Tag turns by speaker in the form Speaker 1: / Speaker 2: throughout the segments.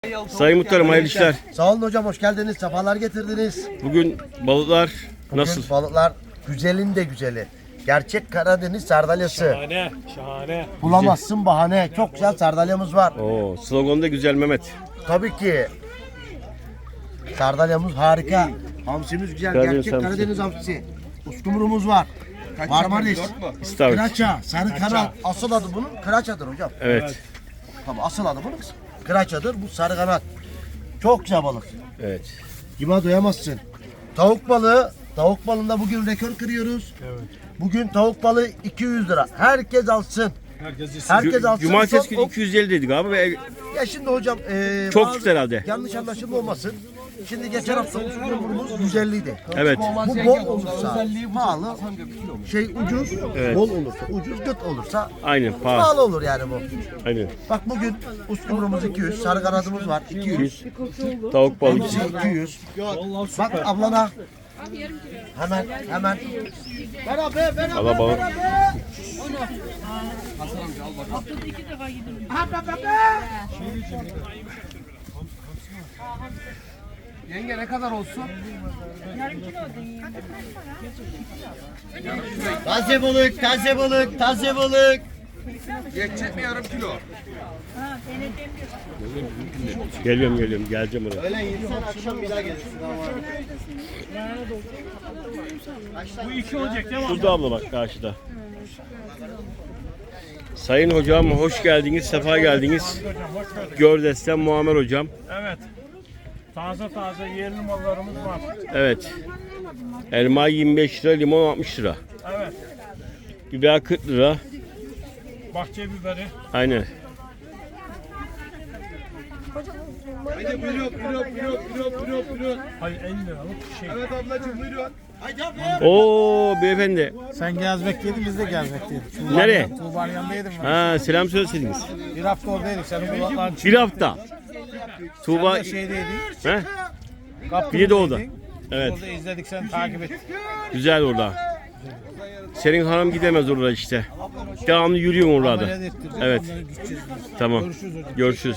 Speaker 1: Sayın Muhtarım hayırlı işler.
Speaker 2: Sağ olun hocam, hoş geldiniz. Sefalar getirdiniz.
Speaker 1: Bugün balıklar nasıl?
Speaker 2: Bugün balıklar güzelin de güzeli. Gerçek Karadeniz sardalyası.
Speaker 3: Şahane, şahane.
Speaker 2: Bulamazsın bahane. Çok güzel sardalyamız var.
Speaker 1: Oo, slogan da güzel Mehmet.
Speaker 2: Tabii ki. Sardalyamız harika. Hamsimiz güzel.
Speaker 1: Karadeniz
Speaker 2: Gerçek
Speaker 1: hamsi.
Speaker 2: Karadeniz hamsisi. Uskumrumuz var. Marmaris.
Speaker 1: İstavrit.
Speaker 2: Kıraça. Sarı kanat. Asıl adı bunun kıraçadır hocam.
Speaker 1: Evet.
Speaker 2: Tabii asıl adı bunun kıraçadır. Bu sarı kanat. Çok güzel balık.
Speaker 1: Evet.
Speaker 2: Kime doyamazsın. Tavuk balığı. Tavuk balığında bugün rekor kırıyoruz.
Speaker 3: Evet.
Speaker 2: Bugün tavuk balığı 200 lira. Herkes alsın. Herkes alsın.
Speaker 1: Cumartesi günü
Speaker 2: Çok-
Speaker 1: 250 dedik abi ve
Speaker 2: Ya şimdi hocam
Speaker 1: Çok
Speaker 2: bazı
Speaker 1: çıktı herhalde.
Speaker 2: yanlış anlaşılma olmasın. Şimdi geçen hafta uskumrumuz 150 idi.
Speaker 1: evet.
Speaker 2: Bu bol olursa pahalı, ucuz,
Speaker 1: Evet.
Speaker 2: bol olursa ucuz, gıt olursa
Speaker 1: Aynen pahalı.
Speaker 2: pahalı olur yani bu.
Speaker 1: Aynen.
Speaker 2: Bak bugün uskumrumuz 200, sarı kanadımız var 200,
Speaker 1: 200. Tavuk balığı.
Speaker 2: hepsi 200. Bak ablana hemen.
Speaker 1: Allah balık.
Speaker 3: Yenge ne kadar olsun?
Speaker 2: Taze balık, taze balık, taze balık.
Speaker 3: Geçecek mi yarım kilo?
Speaker 1: Geliyorum geleceğim oraya.
Speaker 2: Öğlen yedisen akşam bir daha gelirsin.
Speaker 3: Bu iki olacak değil mi?
Speaker 1: Şurada abla bak karşıda. Sayın hocam hoş geldiniz, sefa geldiniz. Gördesten Muammer hocam.
Speaker 3: Evet. Taze taze yerli mallarımız var.
Speaker 1: Evet. Elma 25 lira, limon 60 lira.
Speaker 3: Evet.
Speaker 1: Biber 40 lira.
Speaker 3: Bahçe biberi.
Speaker 1: Aynen.
Speaker 4: Haydi buyurun.
Speaker 3: Hayır 50 liralık şey.
Speaker 4: Evet ablacığım buyurun.
Speaker 1: Oo beyefendi.
Speaker 5: Sen gezmekteydin, biz de gezmekteydik.
Speaker 1: Nereye?
Speaker 5: Tuğba'nın yanındaydım ben.
Speaker 1: Ha selam söyleseydiniz.
Speaker 5: Bir hafta oradaydık, senin kulakların
Speaker 1: Bir hafta. Tuğba
Speaker 5: çıktı şeydeydin.
Speaker 1: he?
Speaker 5: Kaptır'daydın.
Speaker 1: Bir de orada. Evet.
Speaker 5: Orada izledik, seni takip ettik.
Speaker 1: Güzel orada. Senin hanım gidemez orada işte. Devamlı yürüyorsun orada.
Speaker 5: Ameliyat ettirdik,
Speaker 1: Evet.
Speaker 5: onları gideceğiz.
Speaker 1: Tamam.
Speaker 5: Görüşürüz hocam.
Speaker 1: Görüşürüz.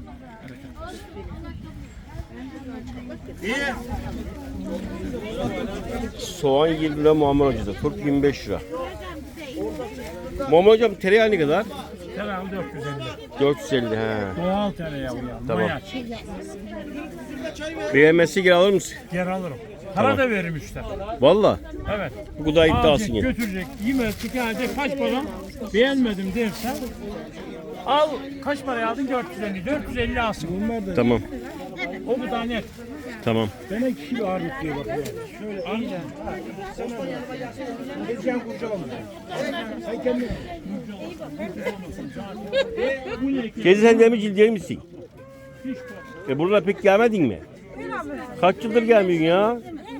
Speaker 1: Soğan 20 lira Muammer Hoca'da. Turp 25 lira. Muammer Hocam tereyağı ne kadar?
Speaker 3: Tereyağı 450.
Speaker 1: 450 he.
Speaker 3: Doğal tereyağı ya.
Speaker 1: Tamam.
Speaker 3: Maya.
Speaker 1: Beğenmezse geri alır mısın?
Speaker 3: Geri alırım. Para da veririm işte.
Speaker 1: Valla.
Speaker 3: Evet.
Speaker 1: Bu kadar iddiasın
Speaker 3: Alacak,
Speaker 1: yani.
Speaker 3: götürecek, yemez, tükenecek. Kaç para? Beğenmedim dersen al. Kaç paraya aldın? 450. 450 alsın.
Speaker 1: Tamam.
Speaker 3: O kadar net.
Speaker 1: Tamam.
Speaker 3: Bana 2 kilo ağırlık diyor bak. Şöyle anca. Geçen kurcalama. Sen kendin.
Speaker 1: Teyze sen demircil değil misin? Buralara pek gelmedin mi? Kaç yıldır gelmiyorsun ya?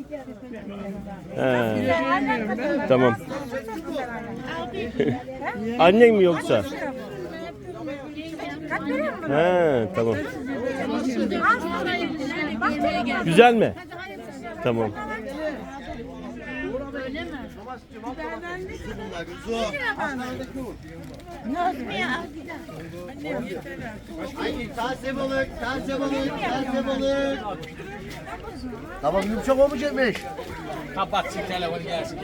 Speaker 1: He. Tamam. Annen mi yoksa? He, tamam. Güzel mi? Tamam.
Speaker 2: Taze balık, taze balık, taze balık. Tamam yumuşak olmayacakmış.
Speaker 5: Kapatsın telefonu gelsin.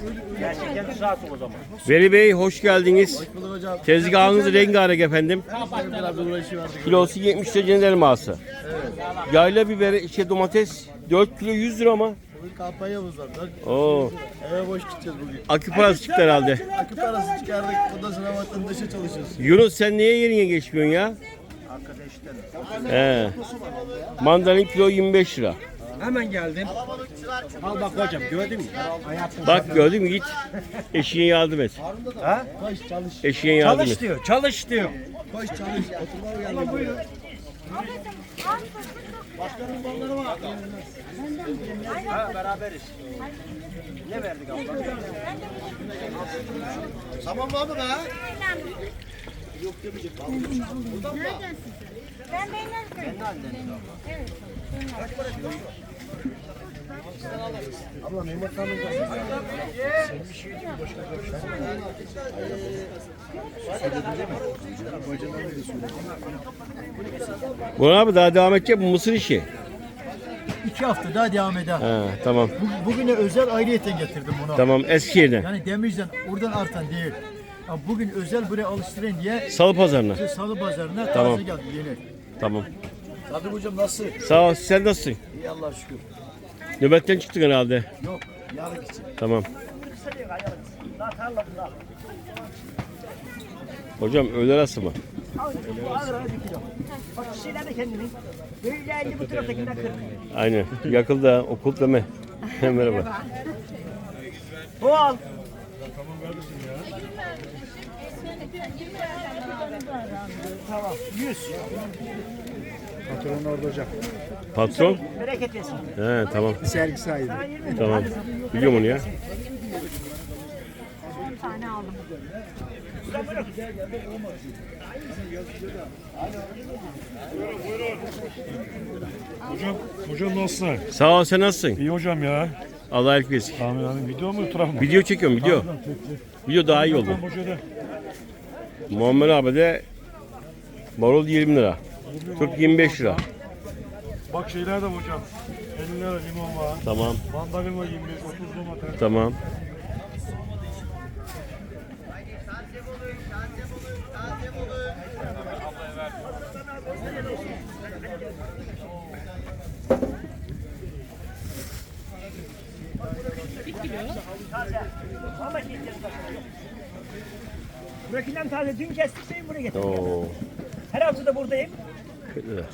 Speaker 1: Veli Bey hoş geldiniz. Tezgahınız rengarenk efendim. Kilosu 70 lira cennet elması. Yayla biberi, domates 4 kilo 100 lira ama.
Speaker 4: Kampanyamız var.
Speaker 1: Oo,
Speaker 4: Eve boş gideceğiz bugün.
Speaker 1: akü parası çıktı herhalde.
Speaker 4: Akü parası çıkardık. Ondan sonra vatandaşa çalışıyoruz.
Speaker 1: Yunus sen niye yerine geçmiyorsun ya? He. Mandalin kilo 25 lira.
Speaker 5: Hemen geldim. Al bak hocam, gördün mü?
Speaker 1: Bak gördün mü git. Eşeğe yardım et.
Speaker 5: Ha? Koş çalış.
Speaker 1: Eşeğe yardım
Speaker 5: Çalış
Speaker 1: et.
Speaker 5: diyor, çalış diyor.
Speaker 4: Koş çalış. Oturmaya geldik.
Speaker 2: Tamam mı abi be?
Speaker 6: Ben de inerken. Evet.
Speaker 2: Abla Mehmet Hanım
Speaker 1: Burhan abi daha devam edecek bu mısır işi.
Speaker 6: 2 hafta daha devam eder.
Speaker 1: Ha, tamam.
Speaker 6: Bugüne özel ayrıyeten getirdim bunu.
Speaker 1: Tamam Eskişehir'den.
Speaker 6: Yani Demirci'den oradan artan değil. Ya bugün özel buraya alıştırayım diye
Speaker 1: Salı pazarına.
Speaker 6: Salı pazarına
Speaker 1: Tamam.
Speaker 6: taze geldi yeni.
Speaker 1: Tamam.
Speaker 2: Sadık hocam nasıl?
Speaker 1: Sağ ol. Sen nasılsın?
Speaker 2: İyi Allah'a şükür.
Speaker 1: Nöbetten çıktın herhalde.
Speaker 2: Yok yarın için.
Speaker 1: Tamam. Hocam öğle arası mı?
Speaker 7: Bak şeyler de kendini. Böyle 50 bu taraftakinden 40.
Speaker 1: Aynen. Yakıldı ha. Okul deme. Merhaba.
Speaker 7: Bu al. Tamam. 100.
Speaker 5: Patron orada hocam.
Speaker 1: Patron?
Speaker 7: Bereket versin.
Speaker 1: He tamam.
Speaker 5: Sergi sahibi.
Speaker 1: Tamam. Biliyorum onu ya.
Speaker 8: Hocam nasılsın?
Speaker 1: Sağ ol. Sen nasılsın?
Speaker 8: İyi hocam ya.
Speaker 1: Allah iyilik versin.
Speaker 8: Amin amin. Video mu fotoğraf mı?
Speaker 1: Video çekiyorum. Video. Video daha iyi oldu.
Speaker 8: Tamam hocam.
Speaker 1: Muammer abi de marul 20 lira. Turp 25 lira.
Speaker 8: Bak şeyler de hocam. 50 lira limon var.
Speaker 1: Tamam.
Speaker 8: Mandalina 25, 30 domates.
Speaker 1: Tamam.
Speaker 7: Burakinden taze dün kestik seni buraya getirdim.
Speaker 1: Oo.
Speaker 7: Her hafta da buradayım.
Speaker 1: 40 lira.